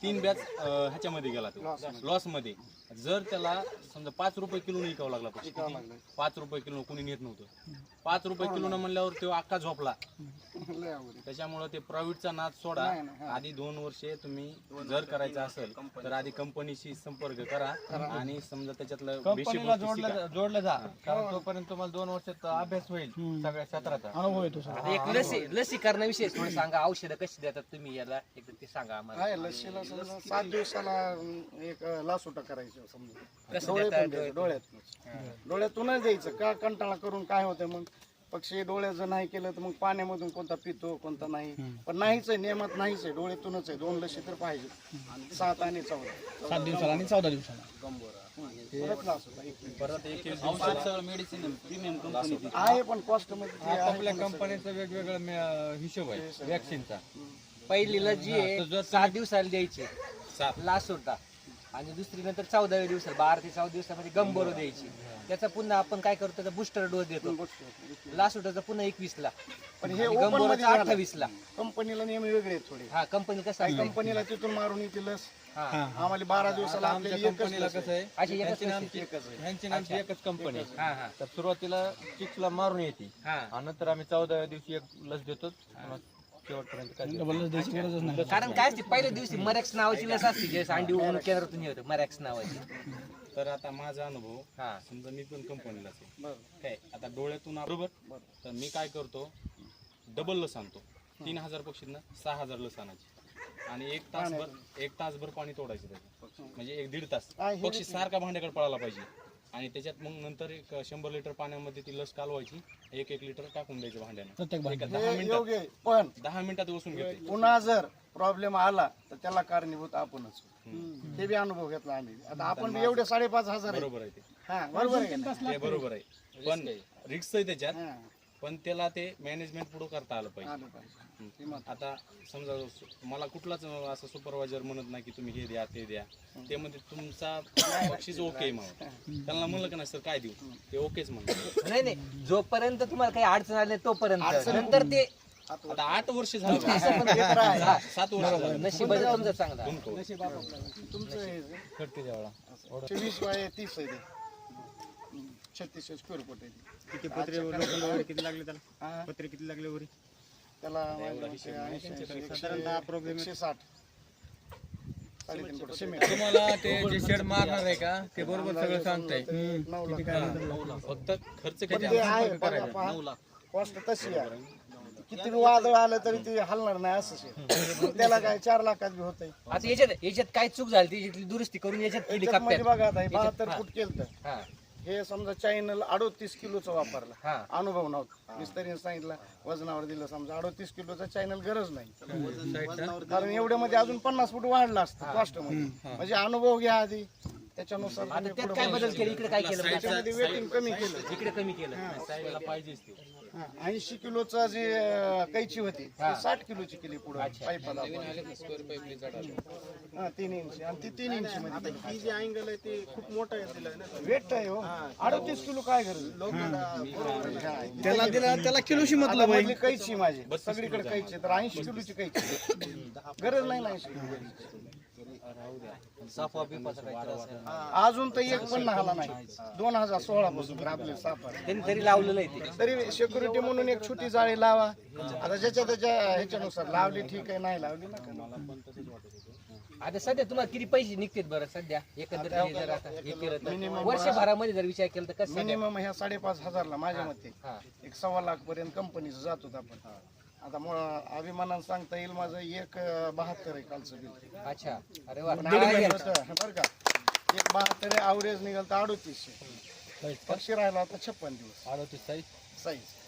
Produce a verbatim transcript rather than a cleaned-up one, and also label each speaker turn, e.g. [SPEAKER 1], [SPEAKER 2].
[SPEAKER 1] तीन बॅच ह्याच्यामध्ये गेला तो लॉस मध्ये. जर त्याला समजा पाच रुपये किलो विकावं लागला पक्षी, पाच रुपये किलो कोणी नेत नव्हतं, पाच रुपये किलो न म्हणल्यावर तो अख्खा झोपला. त्याच्यामुळे ते प्रायव्हेटचा नाद सोडा. आधी दोन वर्षे तुम्ही जर करायचं असेल तर आधी कंपनीशी संपर्क करा आणि समजा त्याच्यातलं
[SPEAKER 2] कंपनीला जोडलं जोडलं जा, कारण तोपर्यंत तुम्हाला दोन वर्षात अभ्यास होईल सगळ्या क्षेत्राचा अनुभव येतो.
[SPEAKER 3] एक लसी लसीकरणाविषयी थोडं सांगा, औषधं कशी देतात तुम्ही याला एकदा ते सांगा आम्हाला.
[SPEAKER 4] लसीला समजा सात दिवसाला एक लासोटा करायचं समजा,
[SPEAKER 3] कसं
[SPEAKER 4] डोळे
[SPEAKER 3] देतात?
[SPEAKER 4] पण द्यायचे, डोळ्यात डोळ्यातूनच द्यायचं. का कंटाळा करून काय होतं मग पक्षी डोळ्याचं नाही केलं तर मग पाण्यामधून कोणता पितो कोणता नाही, पण नाहीच आहे, नियमात नाहीच आहे, डोळ्यातूनच आहे. दोन लशी तर पाहिजे, सात आणि चौदा,
[SPEAKER 2] सात दिवसाला आणि चौदा दिवसाला
[SPEAKER 4] परत
[SPEAKER 1] एक
[SPEAKER 3] मेडिसिन प्रीमियम कंपनी
[SPEAKER 4] आहे, पण कॉस्ट मध्ये
[SPEAKER 2] आपल्या कंपनीचा वेगवेगळा हिशोब आहे वॅक्सिनचा.
[SPEAKER 3] पहिलीला जी आहे सात दिवसाला द्यायची लास्ट होता, आणि दुसरी नंतर चौदाव्या दिवसाला बारा ते चौदा दिवसामध्ये गंबोरो द्यायची. त्याचा पुन्हा आपण काय करतो तर बुस्टर डोस देतो. लास्ट होता पुन्हा एकवीस ला,
[SPEAKER 4] पण हे
[SPEAKER 3] गंबोरोचा अठ्ठावीस ला.
[SPEAKER 4] कंपनीला नियम वेगळे आहेत थोडे.
[SPEAKER 3] हा कंपनी कसं आहे,
[SPEAKER 4] कंपनीला तिथून मारून येते लस,
[SPEAKER 3] हा
[SPEAKER 4] आम्हाला बारा दिवसाला आपल्याला एकच
[SPEAKER 2] कंपनीला
[SPEAKER 4] लस
[SPEAKER 2] कसं
[SPEAKER 4] आहे.
[SPEAKER 2] आहे,
[SPEAKER 3] अशी एकच
[SPEAKER 2] ह्यांची
[SPEAKER 3] लस
[SPEAKER 2] नामची ह्यांची नामची एकच कंपनी आहे.
[SPEAKER 3] हा हा
[SPEAKER 2] तर सुरुवातीला चिक्सला मारून येते
[SPEAKER 3] हा
[SPEAKER 2] आणि नंतर आम्ही चौदाव्या दिवशी एक लस देतो. शेवटपर्यंत काय
[SPEAKER 3] कारण काय असते पहिल्या दिवशी मरॅक्स नावाची लस असते, जे अंडी उडून केंद्रातून येतं मरॅक्स नावाची.
[SPEAKER 1] तर आता माझा अनुभव,
[SPEAKER 3] हा
[SPEAKER 1] समजा मी पण कंपनीलाच आहे काय, आता डोळ्यातून बरोबर, तर मी काय करतो डबल लस आणतो. तीन हजार पक्षींना सहा हजार लस आणायची आणि एक तासभर एक तासभर पाणी तोडायचं त्याचं, म्हणजे एक दीड तास पक्षी सारखा भांड्याकडे पळायला पाहिजे. आणि त्याच्यात मग नंतर एक शंभर लिटर पाण्यामध्ये ती लस कालवायची, एक एक लिटर टाकून द्यायचं भांड्यानं. दहा
[SPEAKER 4] हे
[SPEAKER 1] मिनिटात
[SPEAKER 4] योग्य आहे, पण
[SPEAKER 1] दहा मिनिटात बसून घेते.
[SPEAKER 4] पुन्हा जर प्रॉब्लेम आला तर त्याला कारणीभूत आपणच. ते बी अनुभव घेतला आम्ही. आता आपण बी एवढे साडेपाच हजार आहे.
[SPEAKER 1] बरोबर आहे ते,
[SPEAKER 4] हा बरोबर आहे का?
[SPEAKER 1] ते बरोबर आहे, पण रिक्स आहे त्याच्यात,
[SPEAKER 4] हा,
[SPEAKER 1] पण त्याला ते मॅनेजमेंट पुढे करता आलं पाहिजे.
[SPEAKER 4] आलं पाहिजे.
[SPEAKER 1] आता समजा मला कुठलाच असं सुपरवायझर म्हणत नाही की तुम्ही हे द्या ते द्या, ते म्हणजे तुमचा बक्षीस ओके मग त्यांना म्हणलं का नाही सर काय देऊ, ते ओकेच म्हणतात.
[SPEAKER 3] नाही नाही, जोपर्यंत तुम्हाला काही अडचण आली नाही तोपर्यंत, नंतर ते
[SPEAKER 1] आता आठ वर्ष झालं,
[SPEAKER 4] असं पण ते तर आहे.
[SPEAKER 1] सात वर्ष झालं.
[SPEAKER 3] नशिबाचं तुमचं चांगलं.
[SPEAKER 4] तुमचं हे
[SPEAKER 2] खडते जेवढा
[SPEAKER 4] वीस बाय तीस आहे ते, छत्तीस स्क्वेअर फूट आहे ते.
[SPEAKER 5] किती पत्रे वगैरे किती लागले त्याला,
[SPEAKER 4] हा,
[SPEAKER 5] पत्रे किती लागले वरी
[SPEAKER 4] त्याला माझ्या मते ऐंशी,
[SPEAKER 5] साधारणतः approximate
[SPEAKER 4] एकशे साठ साडेतीन फूट सिमेंट.
[SPEAKER 2] तुम्हाला ते जे शेड मारणार आहे का ते बरोबर सगळं सांगताय.
[SPEAKER 4] नऊ लाख.
[SPEAKER 1] फक्त खर्च
[SPEAKER 4] पण
[SPEAKER 1] किती
[SPEAKER 4] ते
[SPEAKER 1] आला?
[SPEAKER 4] आहे पहा, कॉस्ट तशी आहे. किती बी वादळ आलं तरी ते हलणार नाही असंच आहे. त्याला काय चार लाखात बी होतंय.
[SPEAKER 3] आता याच्यात याच्यात काय चूक झाली त्याच्यातली दुरुस्ती करून याच्यात केली
[SPEAKER 4] त्याच्यात मध्ये
[SPEAKER 3] कप्प्यात.
[SPEAKER 4] बघा आता बहात्तर फूट केलं तर
[SPEAKER 3] हा
[SPEAKER 4] हे समजा चॅनल अडोतीस किलोचा वापरला,
[SPEAKER 3] हा
[SPEAKER 4] अनुभव नव्हता. मिस्त्रीने सांगितलं वजनावर दिलं, समजा अडोतीस किलोचा चॅनल गरज नाही, कारण एवढ्या मध्ये अजून पन्नास फूट वाढला असतं कॉस्ट मध्ये. म्हणजे अनुभव घ्या आधी, त्याच्यानुसार
[SPEAKER 3] आता त्यात काय बदल केले, इकडे काय केलं
[SPEAKER 4] त्याच्यामध्ये वेटिंग कमी केलं.
[SPEAKER 3] इकडे कमी केलं.
[SPEAKER 1] साईडला पाहिजेच ते.
[SPEAKER 4] ऐंशी किलोचा जे अं, कैची होती ती साठ किलोची केली पुढे पाईपाला. हा, तीन इंच आणि ती तीन इंच मध्ये
[SPEAKER 5] ही जी अँगल आहे ते खूप मोठा आहे दिला ना.
[SPEAKER 4] वेट आहे हो. अडतीस किलो काय गरज
[SPEAKER 2] त्याला दिला त्याला किलोशी
[SPEAKER 4] आता मधली कैची माझी सगळीकडे कैची, तर ऐंशी किलोची कैची गरज नाही ना ऐंशी किलो.
[SPEAKER 3] साफा बिफाचा काय त्रास आहे?
[SPEAKER 4] अजून तर एक पण नाहाला नाही. दोन हजार सोळा पासून आपले सापा
[SPEAKER 3] त्यांनी तरी लावलेलं आहे ते.
[SPEAKER 4] तरी सिक्युरिटी म्हणून एक छोटी जाळी लावा. आता ज्याच्या त्याच्या ह्याच्यानुसार लावली ठीक आहे, नाही लावली ना.
[SPEAKER 3] आता सध्या तुम्हाला किती पैसे निघतात बरं सध्या एकंदरीत हे जर आता हे केलं तर वर्षभरामध्ये जर विचार केला तर कसं?
[SPEAKER 4] मिनिमम ह्या साडेपाच हजारला माझ्या मते
[SPEAKER 3] हा
[SPEAKER 4] एक सव्वा लाख पर्यंत कंपनीचं जातो आपण. आता मग अभिमानानं सांगता येईल माझं एक अं, बहात्तर आहे कालचं बिल.
[SPEAKER 3] अच्छा, अरे वा.
[SPEAKER 4] पण average होतं, बरं का, एक बहात्तर आहे, अवरेज निघाल तर अडोतीसशे. पक्षी राहिला होता छप्पन दिवस
[SPEAKER 2] आलो ते साईज
[SPEAKER 4] साईज.